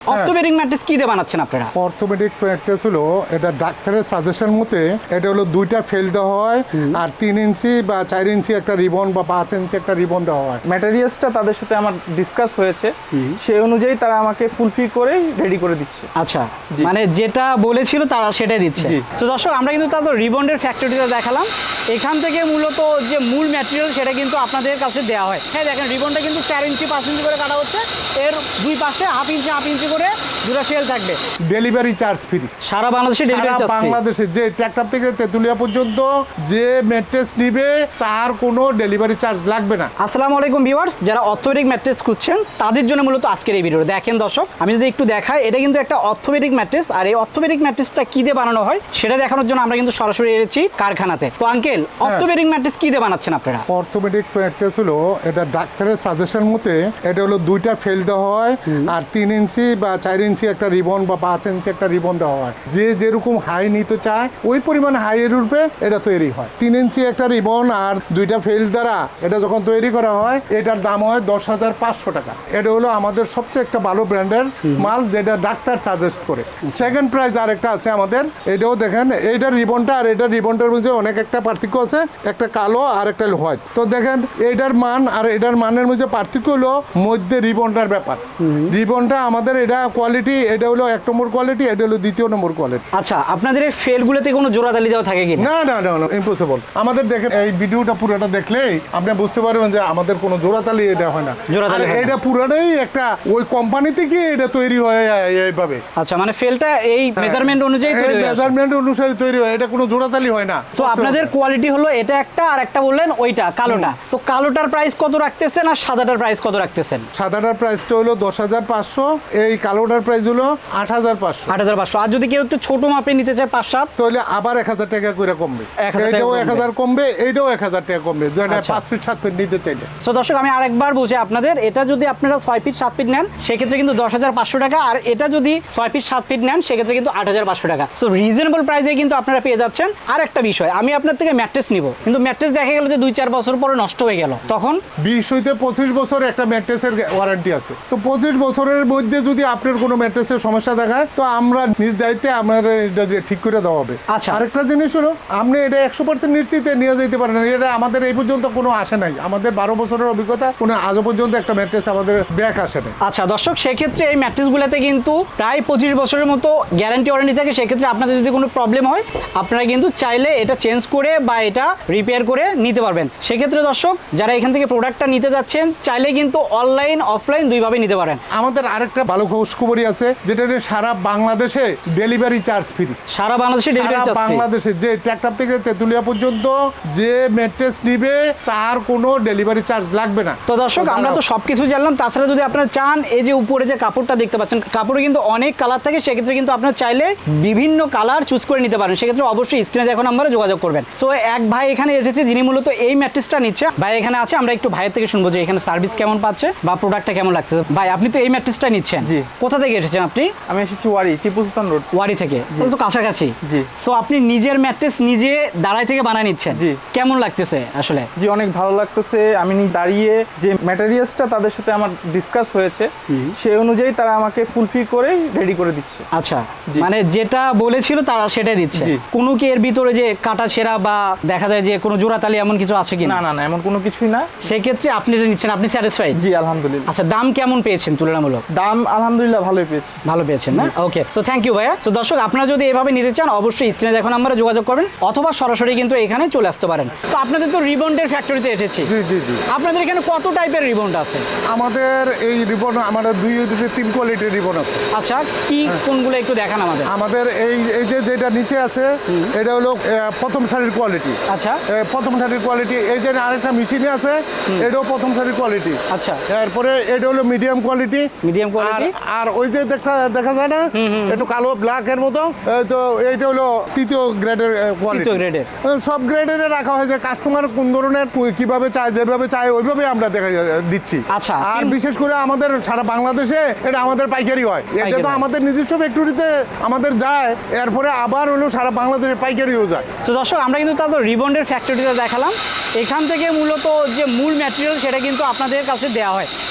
Orthopaedic mattress কি দিয়ে বানাচ্ছেন আপনারা? অর্থোপেডিক ম্যাট্রেস হলো এটা ডাক্তারের সাজেশন মতে এটা হলো দুইটা ফেল দেওয়া হয় আর 3 ইঞ্চি বা 4 ইঞ্চি একটা রিবন বা 5 ইঞ্চি একটা রিবন দেওয়া হয়। ম্যাটেরিয়ালসটা তাদের সাথে আমার ডিসকাস হয়েছে, সেই অনুযায়ী তারা আমাকে ফুলফিল করে রেডি করে দিচ্ছে। আচ্ছা, মানে যেটা বলেছিল তারা সেটাই দিচ্ছে। তো দর্শক, আমরা কিন্তু তাদের রিবন্ডের ফ্যাক্টরিটা দেখালাম। এখান থেকে মূলত যে মূল ম্যাটেরিয়াল সেটা কিন্তু আপনাদের কাছে দেওয়া হয়। হ্যাঁ, দেখেন রিবনটা কিন্তু 4 ইঞ্চি 5 ইঞ্চি করে কাটা হচ্ছে। এর দুই পাশে হাফ ইঞ্চি করে দুটো ফেল থাকবে। ডেলিভারি চার্জ ফ্রি সারা বাংলাদেশে ডেলিভারি চার্জ ফ্রি। বাংলাদেশে যে ট্রাক্টর থেকে তেতুলিয়া পর্যন্ত যে ম্যাট্রেস নিবে তার কোনো ডেলিভারি চার্জ লাগবে না। আসসালামু আলাইকুম ভিউয়ার্স, যারা অর্থোপেডিক ম্যাট্রেস খুঁজছেন তাদের জন্য মূলত আজকের এই ভিডিও। দেখেন দর্শক, আমি যদি একটু দেখাই, এটা কিন্তু একটা অর্থোপেডিক ম্যাট্রেস। আর এই অর্থোপেডিক ম্যাট্রেসটা কি দিয়ে বানানো হয় সেটা দেখানোর জন্য আমরা কিন্তু সরাসরি এসেছি কারখানাতে। তো আঙ্কেল, অর্থোপেডিক ম্যাট্রেস কি দিয়ে বানাচ্ছেন আপনারা? অর্থোপেডিক ম্যাট্রেস হলো এটা ডাক্তারের সাজেশন মতে এটা হলো দুইটা ফেল দেওয়া হয় আর 3 ইঞ্চি বা 4 ইঞ্চি একটা রিবন বা 5 ইঞ্চি একটা রিবন দেওয়া হয়। যে যেরকম হাই নিতে চায় ওই পরিমাণ হাইয়ের রূপে এটা তৈরি হয়। 3 ইঞ্চি একটা রিবন আর দুইটা ফেল দ্বারা এটা যখন তৈরি করা হয় এটার দাম হয় 10,500 টাকা। এটা হলো আমাদের সবচেয়ে একটা ভালো ব্র্যান্ডের মাল, যেটা ডাক্তার সাজেস্ট করে। সেকেন্ড প্রাইস আরেকটা আছে আমাদের, এটাও দেখেন, এইটার রিবনটা আর এটার রিবনটার মধ্যে অনেক একটা পার্থক্য আছে, একটা কালো আর একটা হোয়াইট। তো দেখেন এইটার মান আর এটার মানের মধ্যে পার্থক্য হলো মধ্যে রিবনটার ব্যাপার। রিবনটা আমাদের এটা কোয়ালিটি, এটা হলো 1 নম্বর কোয়ালিটি, এটা হলো 2 নম্বর কোয়ালিটি। আচ্ছা, আপনাদের এই ফেলগুলোতে কোনো জোড়াতালি দেওয়া থাকে কি? না না না, ইম্পসিবল। আমাদের দেখেন এই ভিডিওটা পুরোটা দেখলেই আপনি বুঝতে পারবেন যে আমাদের কোনো জোড়াতালি এটা হয় না। জোড়াতালি হয় না। এটা পুরোটাই একটা ওই কোম্পানি থেকে এটা তৈরি হয় এইভাবে। আচ্ছা, মানে ফেলটা এই মেজারমেন্ট অনুযায়ী তৈরি হয়। মেজারমেন্ট অনুসারে তৈরি হয়, এটা কোনো জোড়াতালি হয় না। তো আপনাদের কোয়ালিটি হলো এটা একটা, আর একটা বললেন ওইটা কালোটা। তো কালোটার প্রাইস কত রাখতেছেন আর সাদাটার প্রাইস কত রাখতেছেন? সাদাটার প্রাইসটা হলো 10,500, এই কালোটার প্রাইস হলো 8,500। 8,500। আর যদি কেউ একটু ছোট মাপে নিতে চায় 5-7, তাহলে আবার 1,000 টাকা করে কমবে। 1,000 টাকা এইটাও কমবে। 1,000 কমবে, এইটাও 1,000 টাকা কমবে, যেটা আচ্ছা। 5 ফিট 7 ফিট নিতে চাইলে। সো দর্শক, আমি আরেকবার বলছি আপনাদের, এটা যদি আপনারা 6 ফিট 7 ফিট নেন সেক্ষেত্রে কিন্তু 10,500 টাকা, আর এটা যদি 6 ফিট 7 ফিট নেন সেক্ষেত্রে কিন্তু 8,500 টাকা। সো রিজনেবল প্রাইসে কিন্তু আপনারা পেয়ে যাচ্ছেন। আর একটা বিষয়, আমি আপনার থেকে ম্যাট্রেস নিব, কিন্তু ম্যাট্রেস দেখা গেল যে 2-4 বছর পরে নষ্ট হয়ে গেল, তখন 20 হইতে 25 বছর একটা ম্যাট্রেসের ওয়ারেন্টি আছে। তো 25 বছরের মধ্যে যদি আপনার কোনো ম্যাট্রেসের সমস্যা দেখায় তো আমরা নিজ দায়িত্বে আমার এটা যে ঠিক করে দেওয়া হবে। আচ্ছা। আরেকটা জিনিস হলো, আপনি এটা 100% নিশ্চিত নিয়ে যেতে পারেন। এটা আমাদের এই পর্যন্ত কোনো আসে নাই, আমাদের 12 বছরের অভিজ্ঞতা, কোনো আজও পর্যন্ত একটা ম্যাট্রেস আমাদের ব্যাক আসে নাই। আচ্ছা দর্শক, সেক্ষেত্রে এই ম্যাট্রেসগুলোতে কিন্তু প্রায় 25 বছরের মতো গ্যারান্টি ওয়ারেন্টি থাকে। সেক্ষেত্রে আপনাদের যদি কোনো প্রবলেম হয় আপনারা কিন্তু চাইলে এটা চেঞ্জ করে বা এটা রিপেয়ার করে নিতে পারবেন। সেক্ষেত্রে দর্শক, যারা এখান থেকে প্রোডাক্টটা নিতে যাচ্ছেন চাইলে কিন্তু অনলাইন অফলাইন দুইভাবে নিতে পারেন। আমাদের আরেকটা ভালো খবরই আছে, যেটা হলো সারা বাংলাদেশে ডেলিভারি চার্জ ফ্রি। সারা বাংলাদেশে ডেলিভারি চার্জ ফ্রি। বাংলাদেশে যে ট্রাক্টর থেকে তেতুলিয়া পর্যন্ত যে ম্যাট্রেস নিবে তার কোনো ডেলিভারি চার্জ লাগবে না। তো দর্শক, আমরা তো সবকিছু জানলাম। তাছাড়া যদি আপনারা চান, এই যে উপরে যে কাপড়টা দেখতে পাচ্ছেন, কাপড়ে কিন্তু অনেক কালার থাকে। সেক্ষেত্রে কিন্তু আপনারা চাইলে বিভিন্ন কালার চুজ করে নিতে পারেন। সেক্ষেত্রে অবশ্যই স্ক্রিনে দেখুন নাম্বারে যোগাযোগ করবেন। সো এক ভাই এখানে এসেছে যিনি মূলত এই ম্যাট্রেসটা নিচ্ছে। ভাই এখানে আছে, আমরা একটু ভাইয়ের থেকে শুনবো যে এখানে সার্ভিস কেমন পাচ্ছে বা প্রোডাক্টটা কেমন লাগছে। ভাই, আপনি তো এই ম্যাট্রেসটা নিচ্ছেন, জি। কোথা থেকে এসেছেন আপনি? আমি এসেছি ওয়ারি, টিপু সুলতান রোড। ওয়ারি থেকে? তাহলে তো কাছাকাছি। জি। সো আপনি নিজের ম্যাট্রেস নিজে দাঁড়াই থেকে বানিয়ে নিচ্ছেন? জি। কেমন লাগতেছে আসলে? জি, অনেক ভালো লাগতেছে। আমি দাঁড়িয়ে যে ম্যাটেরিয়ালসটা তাদের সাথে আমার ডিসকাস হয়েছে, সেই অনুযায়ী তারা আমাকে ফুলফিল করে রেডি করে দিচ্ছে। আচ্ছা, জি। মানে যেটা বলেছিল তারা সেটাই দিচ্ছে। জি। কোনো কি এর ভিতরে যে কাটা ছেঁড়া বা দেখা যায় যে কোনো জোড়াতালি এমন কিছু আছে কি? না না না, এমন কোনো কিছুই না। সেক্ষেত্রে আপনি এটা নিচ্ছেন, আপনি স্যাটিসফাইড? জি, আলহামদুলিল্লাহ। আচ্ছা, দাম কেমন পেয়েছেন তুলনামূলক? দাম আলহামদুলিল্লাহ ভালোই পেয়েছি। ভালো পেয়েছেন না? ওকে, সো থ্যাংক ইউ ভাইয়া। সো দর্শক, আপনারা যদি এভাবে নিতে চান অবশ্যই স্ক্রিনে দেখুন নাম্বারে যোগাযোগ করবেন, অথবা সরাসরি কিন্তু এখানে চলে আসতে পারেন। তো আপনাদের তো রিবন্ডের ফ্যাক্টরিতে এসেছি। জি জি জি। আপনাদের এখানে কত টাইপের রিবন্ড আছে? আমাদের এই রিবন, আমাদের 3 কোয়ালিটির রিবন আছে। আচ্ছা, কি কোনগুলো একটু দেখান আমাদের। আমাদের এই যে যেটা নিচে আছে এটা হলো প্রথম সারির কোয়ালিটি। আচ্ছা। প্রথম সারির কোয়ালিটি। এই যে আরেকটা মেশিনে আছে, এটাও প্রথম সারির কোয়ালিটি। আচ্ছা। এরপরে এটা হলো মিডিয়াম কোয়ালিটি। Medium quality. আর ওই যে দেখা যায় না একটু কালো ব্ল্যাক এর মতো, তো এইটা হলো তৃতীয় গ্রেডের কোয়ালিটি। তৃতীয় গ্রেডের। সব গ্রেডের রাখা হয়েছে, কাস্টমার কোন ধরনের কিভাবে চায়, যেভাবে চায় ওইভাবে আমরা দিচ্ছি। আচ্ছা। আর বিশেষ করে আমাদের সারা বাংলাদেশে এটা আমাদের পাইকারি হয়। এটা তো আমাদের নিজস্ব ফ্যাক্টরিতে আমাদের যায়, এরপরে আবার হলো সারা বাংলাদেশে পাইকারিও যায়। তো দর্শক, আমরা কিন্তু তাদের রিবন্ডের ফ্যাক্টরিটা দেখালাম। এখান থেকে মূলত যে মূল ম্যাটেরিয়াল সেটা কিন্তু আপনাদের কাছে দেওয়া হয়।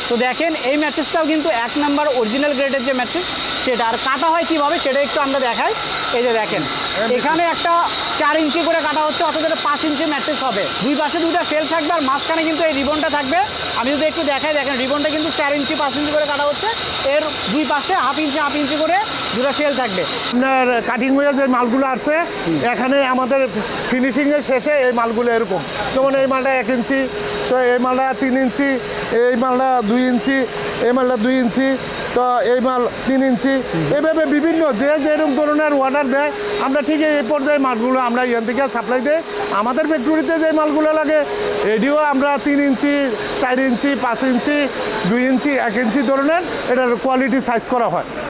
তো দেখেন এই ম্যাট্রেসটাও কিন্তু 1 নাম্বার অরিজিনাল গ্রেডের যে ম্যাট্রেস সেটা। আর কাটা হয় কিভাবে সেটা একটু আমরা দেখাই। এই যে দেখেন এখানে একটা 4 ইঞ্চি করে কাটা হচ্ছে, অর্থাৎ এটা 5 ইঞ্চি ম্যাট্রেস হবে। দুই পাশে দুইটা ফেল থাকবে আর মাঝখানে কিন্তু এই রিবনটা থাকবে। আমি যদি একটু দেখাই, দেখেন রিবনটা কিন্তু 4 ইঞ্চি 5 ইঞ্চি করে কাটা হচ্ছে, এর দুই পাশে হাফ ইঞ্চি করে দুটো ফেল থাকবে। আপনার কাটিং হয়ে যে মালগুলো আছে এখানে আমাদের ফিনিশিংয়ের শেষে এই মালগুলো এরকম, যেমন এই মালটা 1 ইঞ্চি, তো এই মালটা 3 ইঞ্চি, এই মালটা 2 ইঞ্চি, এই মালটা 2 ইঞ্চি, তো এই মাল 3 ইঞ্চি, এভাবে বিভিন্ন যে যেরকম ধরনের অর্ডার দেয় আমরা ঠিক এই পর্যায়ে মালগুলো আমরা এখান থেকে সাপ্লাই দিই। আমাদের ফ্যাক্টরিতে যে মালগুলো লাগে এটিও আমরা 3 ইঞ্চি, 4 ইঞ্চি, 5 ইঞ্চি, 2 ইঞ্চি, 1 ইঞ্চি ধরনের এটার কোয়ালিটি সাইজ করা হয়।